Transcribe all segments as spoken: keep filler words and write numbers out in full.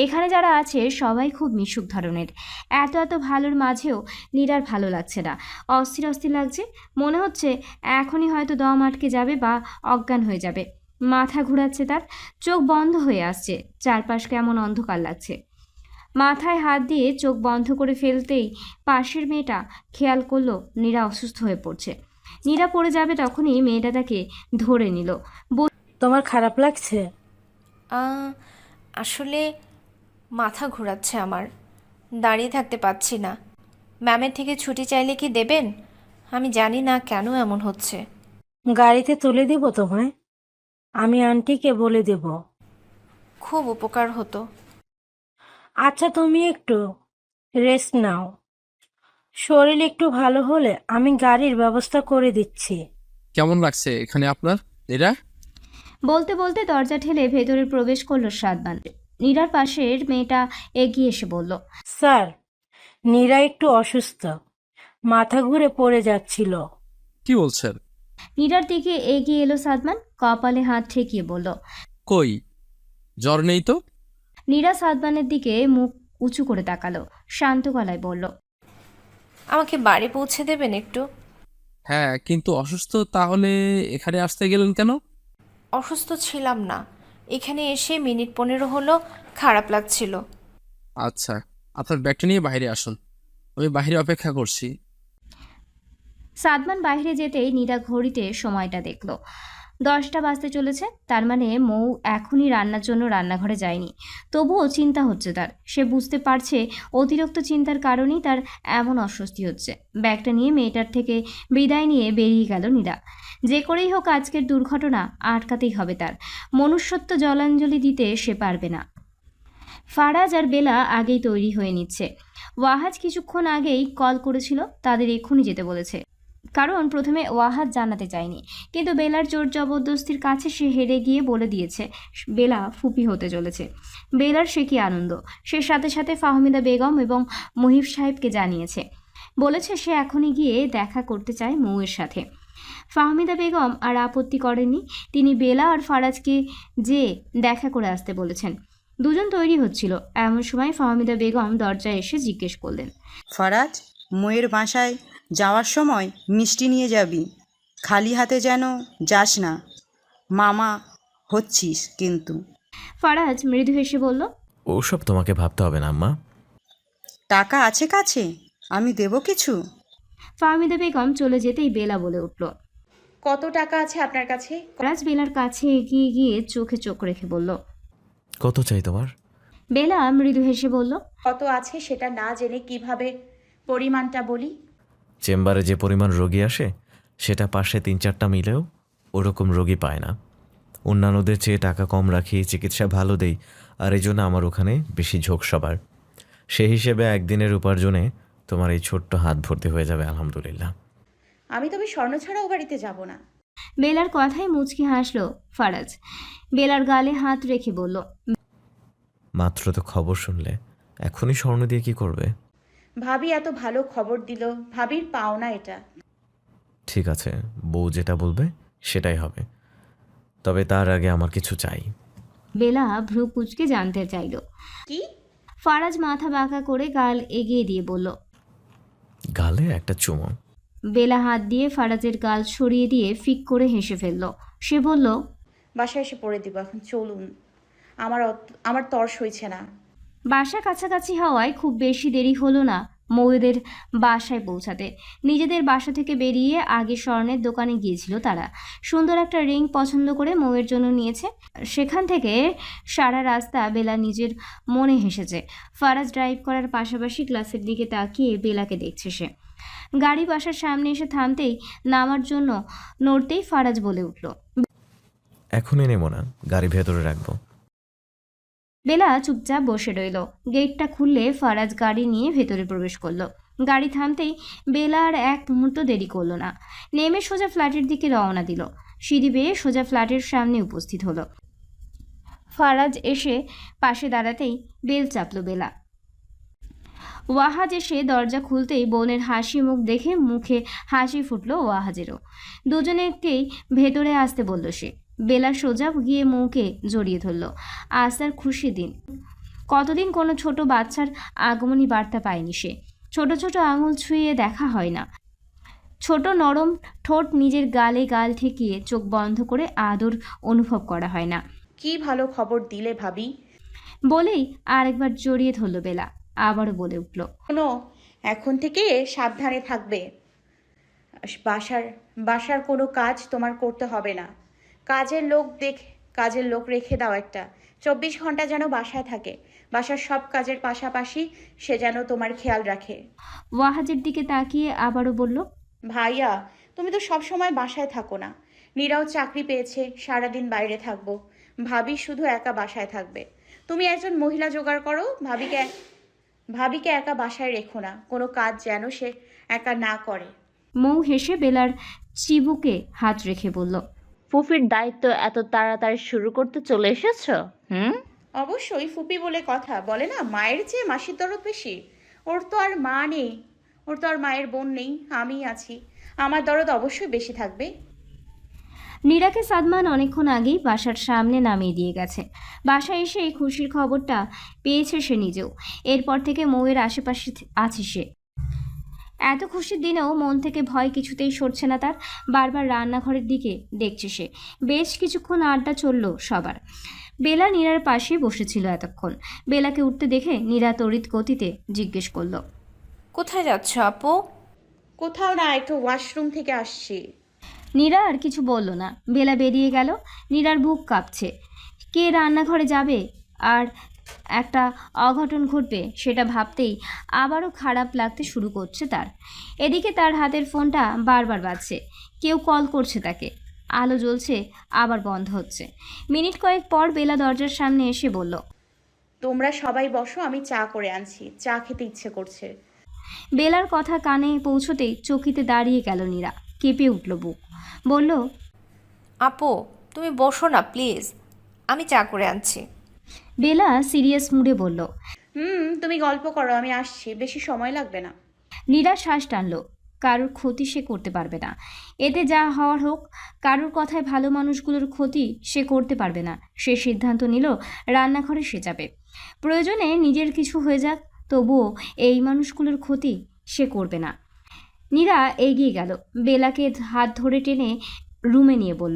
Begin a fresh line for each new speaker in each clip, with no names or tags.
এখানে যারা আছে সবাই খুব মিশুক ধরনের। এত এত ভালোর মাঝেও নীরার ভালো লাগছে না, অস্থির অস্থির লাগছে। মনে হচ্ছে এখনই হয়তো দম আটকে যাবে বা অজ্ঞান হয়ে যাবে। মাথা ঘোরাচ্ছে তার, চোখ বন্ধ হয়ে আসছে, চারপাশ কেমন অন্ধকার লাগছে। মাথায় হাত দিয়ে চোখ বন্ধ করে ফেলতেই পাশের মেয়েটা খেয়াল করলো নীরা অসুস্থ হয়ে পড়ছে। নীরা পড়ে যাবে তখনই মেয়েটা তাকে ধরে নিল।
তোমার খারাপ লাগছে?
আহ, আসলে মাথা ঘোরাচ্ছে আমার, দাঁড়িয়ে থাকতে পারছি না। ম্যামের থেকে ছুটি চাইলে কি দেবেন? আমি জানি না কেন এমন হচ্ছে।
গাড়িতে তুলে দিব তোমায়? আমি আন্টিকে বলে দেব।
খুব উপকার হতো।
আচ্ছা, তুমি একটু রেস্ট নাও। শরীর একটু ভালো হলে আমি গাড়ির ব্যবস্থা করে দিচ্ছি।
কেমন লাগছে এখানে আপনার? এরা
বলতে বলতে দরজা ঠেলে ভেতরে প্রবেশ করলো সাদমান। নীরার পাশের মেয়েটা এগিয়ে এসে বলল,
স্যার, নীরা একটু অসুস্থ, মাথা ঘুরে পড়ে যাচ্ছিল।
কি বলছেন?
নীরার দিকে এগিয়ে এলো সাদমান, কপালে হাত ঠেকিয়ে বলল।
কই, জ্বর নেই তো?
নীরা সাদমানের দিকে মুখ উঁচু করে তাকালো, শান্ত গলায় বলল,
আমাকে বাড়ি পৌঁছে দেবেন একটু?
হ্যাঁ, কিন্তু অসুস্থ তাহলে এখানে আসতে গেলেন কেন?
অসুস্থ ছিলাম না, এখানে এসে মিনিট পনেরো হলো খারাপ লাগছিল।
আচ্ছা, আপনার ব্যাগটা নিয়ে বাইরে আসুন, আমি বাইরে অপেক্ষা করছি।
সাদমান বাইরে যেতেই নীরা ঘড়িতে সময়টা দেখলো, দশটা বাজতে চলেছে। তার মানে মৌ এখনই রান্নার জন্য রান্নাঘরে যায়নি। তবুও চিন্তা হচ্ছে তার। সে বুঝতে পারছে অতিরিক্ত চিন্তার কারণেই তার এমন অস্বস্তি হচ্ছে। ব্যাগটা নিয়ে মেয়েটার থেকে বিদায় নিয়ে বেরিয়ে গেল নীরা। যে করেই হোক আজকের দুর্ঘটনা আটকাতেই হবে তার। মনুষ্যত্ব জলাঞ্জলি দিতে সে পারবে না। ফারাজ আর বেলা আগেই তৈরি হয়ে নিচ্ছে। ওয়াহাজ কিছুক্ষণ আগেই কল করেছিল, তাদের এক্ষুনি যেতে বলেছে। কারণ প্রথমে ওয়াহাজ জানাতে চায়নি, কিন্তু বেলার জোর জবরদস্তির কাছে সে হেরে গিয়ে বলে দিয়েছে বেলা ফুপি হতে চলেছে। বেলার সে কি আনন্দ! সে সাথে সাথে ফাহমিদা বেগম এবং মুহিব সাহেবকে জানিয়েছে, বলেছে সে এখনই গিয়ে দেখা করতে চায় মৌয়ের সাথে। ফাহমিদা বেগম আর আপত্তি করেননি, তিনি বেলা আর ফারাজকে যে দেখা করে আসতে বলেছেন। দুজন তৈরি হচ্ছিল, এমন সময় ফাহমিদা বেগম দরজায় এসে জিজ্ঞেস করলেন,
ফারাজ, ময়ের বাসায় যাওয়ার সময় মিষ্টি নিয়ে যাবি, খালি হাতে যেন যাস না। মামা হচ্ছিস কিন্তু।
ফারাজ মৃদু হেসে বলল,
ওসব তোমাকে ভাবতে হবে না আম্মা।
টাকা আছে কাছে? আমি দেব কিছু।
ফাহমিদা বেগম চলে যেতেই বেলা বলে উঠল।
কত টাকা আছে আপনার কাছে?
ফারাজ বেলার কাছে এগিয়ে গিয়ে চোখে চোখ রেখে বলল।
কত চাই তোমার?
বেলা মৃদু হেসে বলল,
কত আছে সেটা না জেনে কিভাবে পরিমাণটা বলি?
চেম্বারে যে পরিমাণ রোগী আসে সেটা পাশে তিন চারটা মিলেও ওরকম রোগী পায় না। অন্যান্যদের চেয়ে টাকা কম রাখি, চিকিৎসা ভালো দেই, আর এই জন্য আমার ওখানে বেশি ঝোঁক সবার। সেই হিসেবে একদিনের উপার্জনে তোমার এই ছোট্ট হাত ভর্তি হয়ে যাবে আলহামদুলিল্লাহ।
আমি তবে স্বর্ণ ছাড়াও বাড়িতে যাব না।
বেলার কথায় মুচকি হাসলো ফারাজ। বেলার গালে হাত রেখে বলল,
মাত্র তো খবর শুনলে, এখনই স্বর্ণ দিয়ে কি করবে?
ভাবি এত ভালো খবর দিল, ভাবির পাওনা এটা।
ঠিক আছে, বউ যেটা বলবে সেটাই হবে, তবে তার আগে আমার কিছু চাই।
বেলা ভ্রু কুচকে জানতে চাইল।
কি?
ফারাজ মাথা বাঁকা করে গাল এগিয়ে দিয়ে বলল,
গালে একটা চুমো।
বেলা হাত দিয়ে ফারাজের গাল সরিয়ে দিয়ে ফিক করে হেসে ফেলল। সে বলল,
বাসায় এসে পড়ে দিব, এখন চলুন, আমার অত- আমার তর্স হয়েছে না।
বাসা কাছাকাছি হওয়ায় খুব বেশি দেরি হলো না মৌয়েদের বাসায় পৌঁছাতে। নিজেদের বাসা থেকে বেরিয়ে আগে স্বর্ণের দোকানে গিয়েছিল তারা। সুন্দর একটা রিং পছন্দ করে মৌয়ের জন্য নিয়েছে। সেখান থেকে সারা রাস্তা বেলা নিজের মনে হেসেছে। ফারাজ ড্রাইভ করার পাশাপাশি ক্লাসের দিকে তাকিয়ে বেলাকে দেখছে সে। গাড়ি বাসার সামনে এসে থামতেই নামার জন্য নড়তেই ফারাজ বলে উঠল,
এখনই নেবো না, গাড়ি ভেতরে রাখবো।
বেলা চুপচাপ বসে রইল। গেটটা খুললে ফারাজ গাড়ি নিয়ে ভেতরে প্রবেশ করলো। গাড়ি থামতেই বেলা আর এক মুহূর্ত দেরি করলো না, নেমে সোজা ফ্ল্যাটের দিকে রওনা দিল। সিঁড়ি বেয়ে সোজা ফ্ল্যাটের সামনে উপস্থিত হলো। ফারাজ এসে পাশে দাঁড়াতেই বেল চাপল বেলা। ওয়াহাজ এসে দরজা খুলতেই বোনের হাসি মুখ দেখে মুখে হাসি ফুটলো ওয়াহাজেরও। দুজনেকেই ভেতরে আসতে বলল সে। বেলা সোজা গিয়ে মৌকে জড়িয়ে ধরল। আজ তার খুশি দিন। কতদিন কোনো ছোট বাচ্চার আগমনী বার্তা পায়নি সে। ছোট ছোট আঙুল ছুঁয়ে দেখা হয় না, ছোট নরম ঠোঁট নিজের গালে গাল ঠেকিয়ে চোখ বন্ধ করে আদর অনুভব করা হয় না।
কি ভালো খবর দিলে ভাবি।
বলেই আরেকবার জড়িয়ে ধরল বেলা, আবারও বলে উঠল,
শোনো, এখন থেকে সাবধানে থাকবে। বাসার বাসার কোনো কাজ তোমার করতে হবে না। কাজের লোক দেখ কাজের লোক রেখে দাও একটা। চব্বিশ ঘন্টা যেন বাসায় থাকে। বাসার সব কাজের পাশাপাশি সে যেন তোমার খেয়াল রাখে।
ওয়াহাজের দিকে তাকিয়ে আবারও বলল,
ভাইয়া, তুমি তো সব সময় বাসায় থাকো না। নীরাও চাকরি পেয়েছে, সারাদিন বাইরে থাকবো। ভাবি শুধু একা বাসায় থাকবে। তুমি একজন মহিলা জোগাড় করো। ভাবিকে ভাবিকে একা বাসায় রেখো না। কোনো কাজ যেন সে একা না করে।
মৌ হেসে বেলার চিবুকে হাত রেখে বলল,
ফুফির দায়িত্ব এত তাড়াতাড়ি শুরু করতে চলে এসেছো? হুম।
অবশ্যই, ফুপি বলে কথা। বলে না, মায়ের চেয়ে মাসির দরদ বেশি। ওর তো আর মা নেই, ওর তো আর মায়ের বোন নেই, আমি আছি। আমার দরদ অবশ্যই বেশি থাকবে।
নীরাকে সাদমান অনেকক্ষণ আগেই বাসার সামনে নামিয়ে দিয়ে গেছে। বাসায় এসে এই খুশির খবরটা পেয়েছে সে নিজেও। এরপর থেকে মৌয়ের আশেপাশে আছে সে। এত খুশির দিনেও মন থেকে ভয় কিছুতেই সরছে না তার। বারবার রান্নাঘরের দিকে দেখছে সে। বেশ কিছুক্ষণ আড্ডা চলল সবার। বেলা নীরার পাশে বসেছিল এতক্ষণ। বেলাকে উঠতে দেখে নীরা তড়িৎ গতিতে জিজ্ঞেস করল,
কোথায় যাচ্ছ আপু?
কোথাও না, একটু ওয়াশরুম থেকে আসছি।
নীরা আর কিছু বলল না। বেলা বেরিয়ে গেল। নীরার বুক কাঁপছে। কে রান্নাঘরে যাবে আর একটা অঘটন ঘটবে সেটা ভাবতেই আবারও খারাপ লাগতে শুরু করছে তার। এদিকে তার হাতের ফোনটা বারবার বাজছে। কেউ কল করছে তাকে। আলো জ্বলছে, আবার বন্ধ হচ্ছে। মিনিট কয়েক পর বেলা দরজার সামনে এসে বলল,
তোমরা সবাই বসো, আমি চা করে আনছি। চা খেতে ইচ্ছে করছে।
বেলার কথা কানে পৌঁছতেই চকিতে দাঁড়িয়ে গেল নীরা। কেঁপে উঠল বুক। বলল,
আপু, তুমি বসো না প্লিজ, আমি চা করে আনছি।
বেলা সিরিয়াস মুডে বলল।
হুম, তুমি গল্প করো, আমি আসছি। বেশি সময় লাগবে না।
নীরা শ্বাস টানল। কারোর ক্ষতি সে করতে পারবে না। এতে যা হওয়ার হোক, কারোর কথায় ভালো মানুষগুলোর ক্ষতি সে করতে পারবে না। সে সিদ্ধান্ত নিল রান্নাঘরে সে যাবে। প্রয়োজনে নিজের কিছু হয়ে যাক, তবুও এই মানুষগুলোর ক্ষতি সে করবে না। নীরা এগিয়ে গেল, বেলাকে হাত ধরে টেনে রুমে নিয়ে বলল,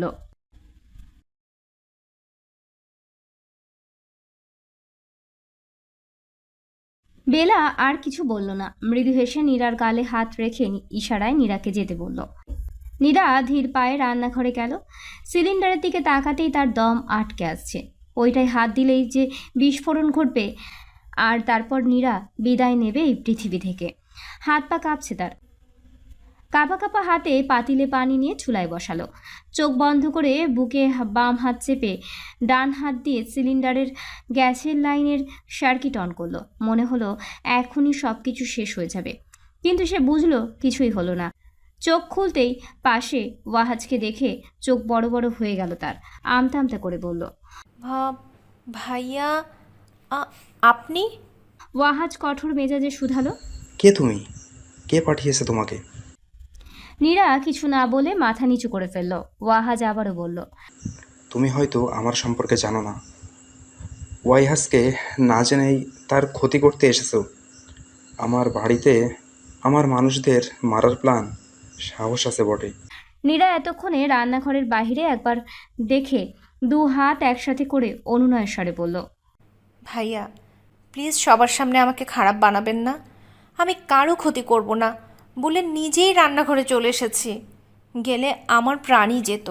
বেলা আর কিছু বলল না। মৃদু হেসে নীরার গালে হাত রেখে ইশারায় নীরাকে যেতে বলল। নীরা ধীর পায়ে রান্নাঘরে গেল। সিলিন্ডারের দিকে তাকাতেই তার দম আটকে আসছে। ওইটাই হাত দিলেই যে বিস্ফোরণ ঘটবে, আর তারপর নীরা বিদায় নেবে এই পৃথিবী থেকে। হাত পা কাঁপছে তার। কাঁপা কাঁপা হাতে পাতিলে পানি নিয়ে চুলায় বসালো। চোখ বন্ধ করে বুকে বাম হাত চেপে ডান হাত দিয়ে সিলিন্ডারের গ্যাসের লাইনের সার্কিট অন করলো। মনে হলো এখনই সব কিছু শেষ হয়ে যাবে, কিন্তু সে বুঝলো কিছুই হলো না। চোখ খুলতেই পাশে ওয়াহাজকে দেখে চোখ বড় বড় হয়ে গেল তার। আমতা আমতা করে বলল,
ভাব ভাইয়া, আ- আপনি?
ওয়াহাজ কঠোর মেজাজে শুধালো।
কে তুমি? কে পাঠিয়েছে তোমাকে?
নীরা কিছু না বলে মাথা নিচু করে ফেলল। ওয়াহাজ আবারও বলল,
তুমি হয়তো আমার সম্পর্কে জানো না। ওয়াইহাসকে না জেনেই তার ক্ষতি করতে এসেছো। আমার বাড়িতে আমার মানুষদের মারার প্ল্যান। সাহস আছে বটে।
নীরা এতক্ষণে রান্নাঘরের বাইরে একবার দেখে দু হাত একসাথে করে অনুনয়ের স্বরে বলল,
ভাইয়া প্লিজ সবার সামনে আমাকে খারাপ বানাবেন না। আমি কারো ক্ষতি করব না বলে নিজেই রান্নাঘরে চলে এসেছি। গেলে আমার প্রাণই যেত।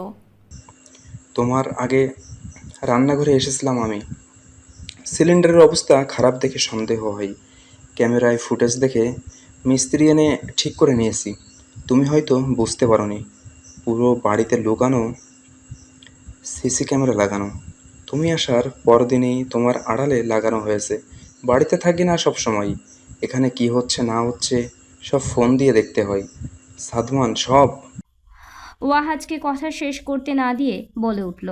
তোমার আগে রান্নাঘরে এসেছিলাম আমি। সিলিন্ডারের অবস্থা খারাপ দেখে সন্দেহ হয়। ক্যামেরায় ফুটেজ দেখে মিস্ত্রি এনে ঠিক করে নিয়েছি। তুমি হয়তো বুঝতে পারোনি, পুরো বাড়িতে লুকানো সিসি ক্যামেরা লাগানো। তুমি আসার পরদিনই তোমার আড়ালে লাগানো হয়েছে। বাড়িতে থাকি না সব সময়। এখানে কি হচ্ছে না হচ্ছে সব ফোন দিয়ে দেখতে হয়। সাদমান সব।
ওয়াহাজকে কথা শেষ করতে না দিয়ে বলে উঠল,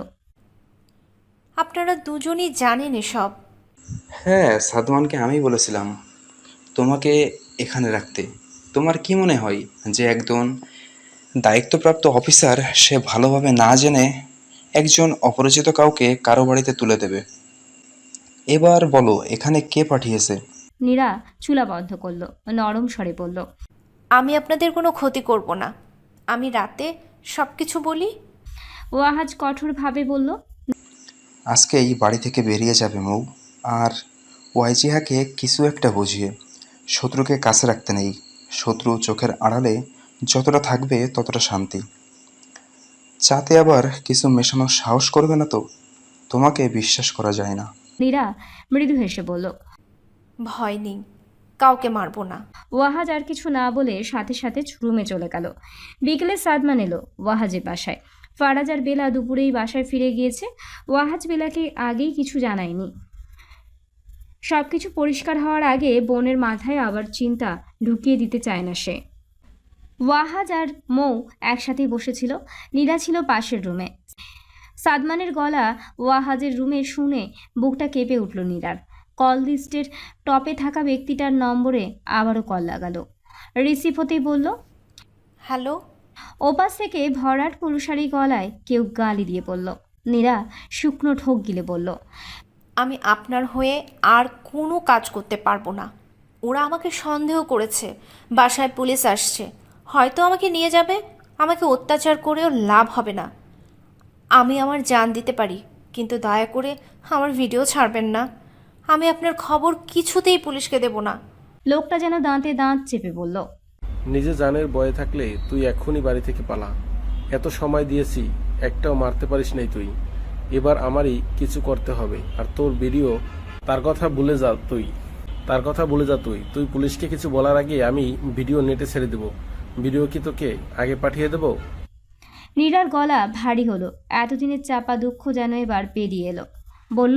আপনারা দুজনই জানেন এসব।
হ্যাঁ, সাদমানকে আমি বলেছিলাম তোমাকে এখানে রাখতে। তোমার কি মনে হয় যে একজন দায়িত্বপ্রাপ্ত অফিসার সে ভালোভাবে না জেনে একজন অপরিচিত কাউকে কারো বাড়িতে তুলে দেবে? এবার বলো এখানে কে পাঠিয়েছে?
নীরা চুলা বন্ধ করলো, নরম স্বরে বলল।
আমি আপনাদের কোনো ক্ষতি করব না। আমি রাতে সব কিছু বলি।
ওয়াহাজ কঠোরভাবে বলল।
আজকে এই বাড়ি থেকে বেরিয়ে যাবে মৌ। আর ওয়াইজিহাকে কিছু একটা বুঝিয়ে। শত্রুকে কাছে রাখতে নেই। শত্রু চোখের আড়ালে যতটা থাকবে ততটা শান্তি। চাতে আবার কিছু মেশানোর সাহস করবে না তো? তোমাকে বিশ্বাস করা যায় না।
নীরা মৃদু হেসে বলল।
ভয় নেই, কাউকে মারবো না।
ওয়াহাজ আর কিছু না বলে সাথে সাথে রুমে চলে গেল। বিকেলে সাদমান এলো ওয়াহাজের বাসায়। ফারাজ আর বেলা দুপুরেই বাসায় ফিরে গিয়েছে। ওয়াহাজ বেলাকে আগেই কিছু জানায়নি। সব কিছু পরিষ্কার হওয়ার আগে বোনের মাথায় আবার চিন্তা ঢুকিয়ে দিতে চায় না সে। ওয়াহাজ আর মৌ একসাথেই বসেছিল। নীরা ছিল পাশের রুমে। সাদমানের গলা ওয়াহাজের রুমে শুনে বুকটা কেঁপে উঠল নীরার। কল লিস্টের টপে থাকা ব্যক্তিটার নম্বরে আবারও কল লাগালো। রিসিভ হতেই বলল,
হ্যালো।
ওপাশ থেকে ভরাট পুরুষারি গলায় কেউ গালি দিয়ে বলল। নীরা শুকনো ঠোক গিলে বলল,
আমি আপনার হয়ে আর কোনো কাজ করতে পারবো না। ওরা আমাকে সন্দেহ করেছে, বাসায় পুলিশ আসছে, হয়তো আমাকে নিয়ে যাবে। আমাকে অত্যাচার করেও লাভ হবে না। আমি আমার জান দিতে পারি, কিন্তু দয়া করে আমার ভিডিও ছাড়বেন না। আমি আপনার খবর কিছুতেই পুলিশকে দেব না।
লোকটা যেন দাঁতে দাঁত চেপে বলল,
নিজে জানের ভয়ে থাকলে তুই এক্ষুনি বাড়ি থেকে পালা। এত সময় দিয়েছি, একটাও মারতে পারিস নাই তুই। এবার আমারই কিছু করতে হবে। আর তোর ভিডিও, তার কথা ভুলে যা তুই তার কথা ভুলে যা তুই তুই পুলিশকে কিছু বলার আগে আমি ভিডিও নেটে ছেড়ে দেব। ভিডিও কি তোকে আগে পাঠিয়ে দেব?
নীরার গলা ভারী হলো। এতদিনের চাপা দুঃখ যেন এবার পেরিয়ে এলো। বলল,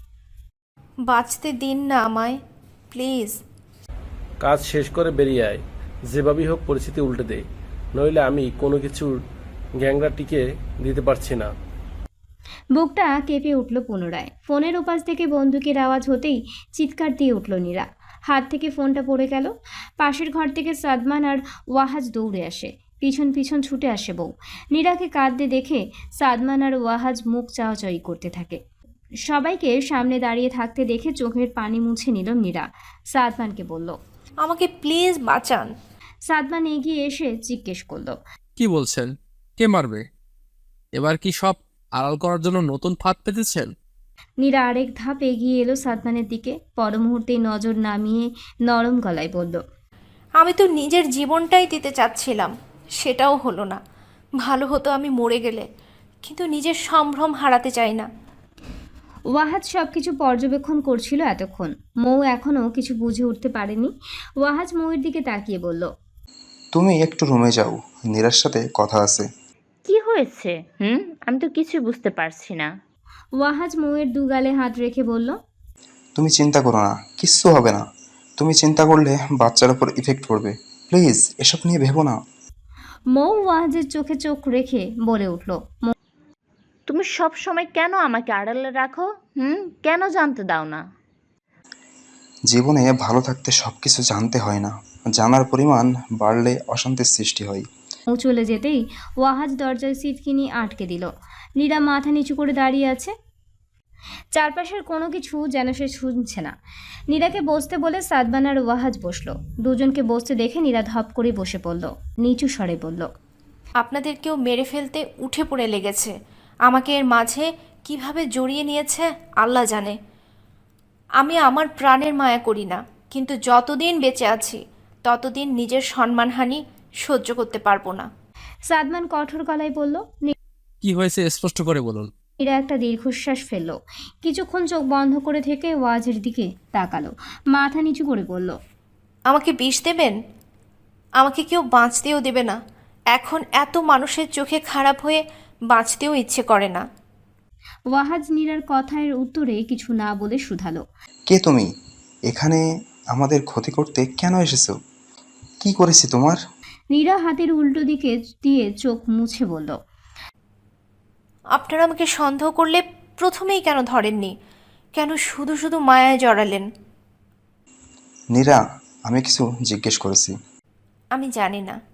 বাঁচতে দিন না আমায়, প্লিজ।
কাজ শেষ করে বেরিয়ে আয়। যেভাবেই হোক পরিস্থিতি উল্টে দে, নইলে আমি কোনো কিছুর গ্যাংরা টিকে দিতে পারছি না।
বুকটা কেঁপে উঠল পুনরায়। ফোনের ওপাশ থেকে বন্দুকের আওয়াজ হতেই চিৎকার দিয়ে উঠল নীরা। হাত থেকে ফোনটা পড়ে গেল। পাশের ঘর থেকে সাদমান আর ওয়াহাজ দৌড়ে আসে। পিছন পিছন ছুটে আসে বউ। নীরাকে কাঁদতে দেখে সাদমান আর ওয়াহাজ মুখ চাওয়াচাই করতে থাকে। সবাইকে সামনে দাঁড়িয়ে থাকতে দেখে চোখের পানি মুছে নিল নীরা। সাদমানকে বলল,
আমাকে প্লিজ বাঁচান।
সাদমান এগিয়ে এসে জিজ্ঞেস করলো,
কি বলছেন? কে মারবে? এবার কি সব আড়াল করার জন্য নতুন ফাঁদ পেতেছেন?
নীরা আরেক ধাপ এগিয়ে এলো সাদমানের দিকে। পর মুহূর্তেই নজর নামিয়ে নরম গলায় বলল,
আমি তো নিজের জীবনটাই দিতে চাচ্ছিলাম, সেটাও হলো না। ভালো হতো আমি মরে গেলে, কিন্তু নিজের সম্ভ্রম হারাতে চাই না।
ওয়াহাজ সব কিছু পর্যবেক্ষণ করছিল এতক্ষণ। মৌ এখনও কিছু বুঝে উঠতে পারেনি। ওয়াহাজ মৌয়ের দিকে তাকিয়ে বলল,
তুমি একটু রুমে যাও, নীরার সাথে কথা আছে।
কি হয়েছে? হুম, আমি তো কিছু বুঝতে পারছি না।
ওয়াহাজ মৌয়ের দু গালে হাত রেখে বলল,
তুমি চিন্তা করো না, কিচ্ছু হবে না। তুমি চিন্তা করলে বাচ্চার উপর ইফেক্ট পড়বে। প্লিজ এসব নিয়ে ভেবো না।
মৌ ওয়াহাজের চোখে চোখ রেখে বলে উঠল,
তুমি সব সময় কেন আমাকে আড়ালে রাখো? হুম, কেন জানতে দাও না?
জীবনে ভালো থাকতে সব কিছু জানতে হয় না, জানার পরিমাণ বাড়লে অশান্তির সৃষ্টি হয়।
মৌ চলে যেতেই ওয়াহাজ দরজায় সিটকিনি আটকে দিল। নীরা মাথা নিচু করে দাঁড়িয়ে আছে। চারপাশের কোনো কিছু যেন সে শুনছে না। নীরাকে বসতে বলে সাদমান আর ওয়াহাজ বসলো। দুজনকে বসতে দেখে নীরা ধপ করে বসে পড়ল। নিচু স্বরে বলল,
আপনাদের কেউ মেরে ফেলতে উঠে পড়ে লেগেছে। আমাকে এর মাঝে কিভাবে জড়িয়ে নিয়েছে আল্লাহ জানে। আমি আমার প্রাণের মায়া করি না, কিন্তু যতদিন বেঁচে আছি ততদিন নিজের সম্মানহানি সহ্য করতে পারবো না।
সাদমান কঠোর গলায় বলল।
কি হয়েছে স্পষ্ট করে বলুন।
নীরা একটা দীর্ঘশ্বাস ফেলল। কিছুক্ষণ চোখ বন্ধ করে থেকে ওয়াজের দিকে তাকালো। মাথা নিচু করে বলল,
আমাকে বিষ দেবেন? আমাকে কেউ বাঁচতেও দেবে না। এখন এত মানুষের চোখে খারাপ হয়ে বাঁচতেও ইচ্ছে করে না।
ওয়াহাজ নীরার কথার উত্তরে কিছু না বলে শুধালো,
কে তুমি? এখানে আমাদের ক্ষতি করতে কেন এসেছো? কি করেছি তোমার?
নীরা হাতের উল্টো দিকে দিয়ে চোখ মুছে বলল,
আপনারা আমাকে সন্দেহ করলে প্রথমেই কেন ধরেননি? কেন শুধু শুধু মায়ায় জড়ালেন?
নীরা, আমি কিছু জিজ্ঞেস করেছি।
আমি জানি না।